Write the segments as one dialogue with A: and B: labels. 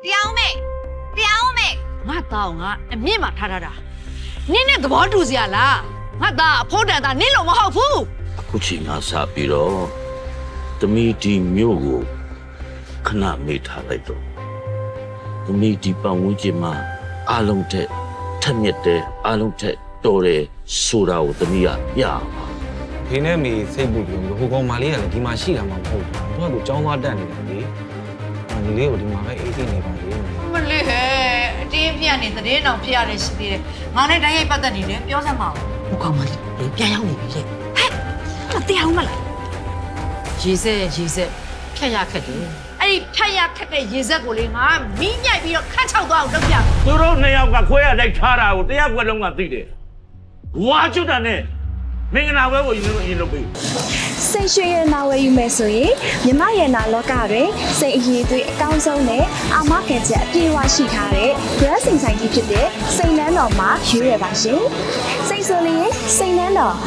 A: တရားဦးမေ
B: ငါတောင်းကအမြင့်မှာထားတာနင်းနဲ့သဘောတူစရာလားငါသားအဖို့တန်သားနင်းလို့မဟုတ်ဘူး
C: အခုချိန်ကစပြီးတော့သမီးဒီမျိုးကိုခဏမေ့ထားလိုက်တော့သမီးဒီပတ်ဝန်းကျင်မှာအလုံးထက်ထက်မြက်တဲ့အလုံးထက်တော်တယ်ဆိုတာကိုသမီးကပြအောင်
D: ဖေနဲ့မေစိတ်ပူပြီးဟိုကောင်မလေးကလည်းဒီမှာရှိတာမှမဟုတ်ဘူးသူကကြောင်းသွားတက်နေတာလေညီလေးကိုဒီမှာပဲအေးအေးနေပါလေ
B: မလေးဟဲ့အတင်းပြတ်နေသတင်းတော်ဖြစ်ရတယ်ရှိသေးတယ်ငါနဲ့တိုင်းရိုက်ပတ်သက်နေတယ်ပြောစမ်းပါဦးဟိုကောင်မလေးပြန်ရောက်နေပြီလေဟဲ့မတရားဘူးမလားရေစက်ဖြတ်ရခက်တယ်အဲ့ဒီဖြတ်ရခက်တဲ့ရေစက်ကိုလေငါမီးညိုက်ပြီးတော့ခန့်ချောက်သွားအောင်လုပ်ပြ
C: သူတို့နှစ်ယောက်ကခွဲရလိုက်ထားတာကိုတရားကွက်လုံးကသိတယ်ဝါကျွတ်တာနဲ့မင်္ဂလာပွဲကိုရင်လုပ်ပေး
E: စိတ်ရွှင်ရနာဝယ်ယူမယ်ဆိုရင်မြမရနာလောကတွင်စိတ်အရေးသွေးအကောင်းဆုံးနဲ့အာမခံချက်အပြည့်အဝရှိထားတဲ့ brand စိန်ဆိုင်ကြီးဖြစ်တဲ့စိန်နန်းတော်မှာရွေးရပါရှင်စိတ်ဆိုလျင်စိန်နန်းတော်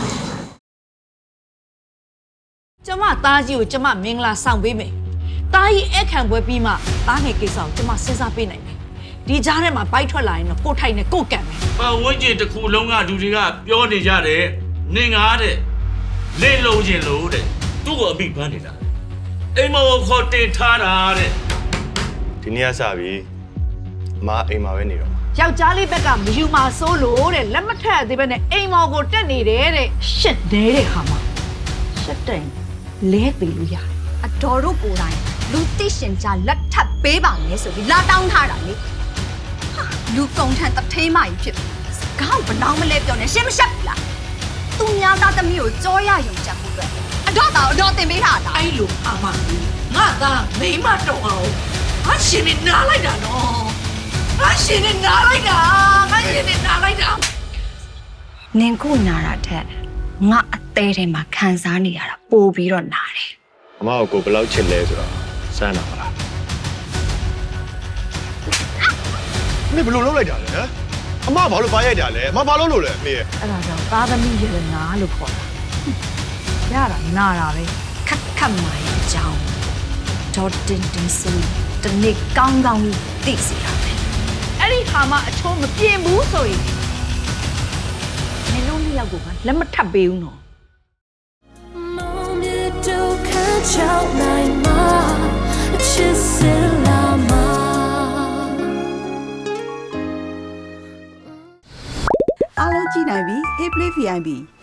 B: ကျမသားကြီးကိုကျမမင်္ဂလာဆောင်ပေးမယ်သားကြီးအခန့်ပွဲပြီးမှသားငယ်ကိစ္စကိုကျမစဉ်းစားပေးနိုင်တယ်ဒီကြားထဲမှာဘိုက်ထွက်လာရင်တော့ကိုထိုက်နဲ့ကိုကံမယ်
C: ပတ်ဝန်းကျင်တစ်ခုလုံးကလူတွေကပြောနေကြတယ်နင်ငါတဲ့လေလုံးချင်းလို့တဲ့သူ့ကိုအမိပန်းနေတာအိမ်မောခေါ်တင်ထားတာတဲ့
F: ဒီနေ့ကစပြီအမအိမ်မှာပဲနေတော့
B: ယောက်ျားလေးဘက်ကမယူမှာစိုးလို့တဲ့လက်မထက်သေးပဲနဲ့အိမ်မော်ကိုတက်နေတယ်တဲ့ရှစ်တဲ့ခါမှာရှစ်တိုင်လဲသေးလို့ရတယ်
A: အတော်တို့ကိုယ်တိုင်လူသိရှင်ကြလက်ထပ်ပေးပါမယ်ဆိုပြီးလာတောင်းထားတာလေဟာလူကုန်ထန်တထေးမကြီးဖြစ်စကားဘလောင်းမလဲပြောနေရှင်းမရှက်ဘူးလားသူများသားသမီးကိုကြောရယုံကြမှုအတွက်အတော့တင်ပေးထားတာ
B: အဲ့လိုအာမငါသားမိမတော့အောင်ငါရှင်နေနားလိုက်တာနော်ငါရှင်နေနားလိုက်တာ
A: နင်ကိုနာတာထက်ငါအသေးထဲမှာခံစားနေရတာပိုပြီးတော့နာတယ်
F: အမကိုဘယ်လောက်ချစ်လဲဆိုတော့စမ်းတာမလားမင်းဘယ်လိုလုပ်လိုက်တာလဲဟမ်အမဘာလို့ပါရိုက်တာလဲအမဘာလို့လို့လဲအမေရဲ့
B: အဲ့ဒါကြောင့်သားသမီးရတနာလို့ခေါ်တာရတာနာတာပဲခက်မာရဲ့အကြောင်းဒေါ်တင်ဆိုတနေ့ကောင်းသိစီတာပဲအဲ့ဒီခါမှအချိုးမပြင်းဘူးဆိုရင်မင်းတို့နှစ်ယောက်ကိုလက်မထပ်ပေးဘူးနော်
G: အားလုံးကြည့်နိုင်ပြီ Hey Play VIP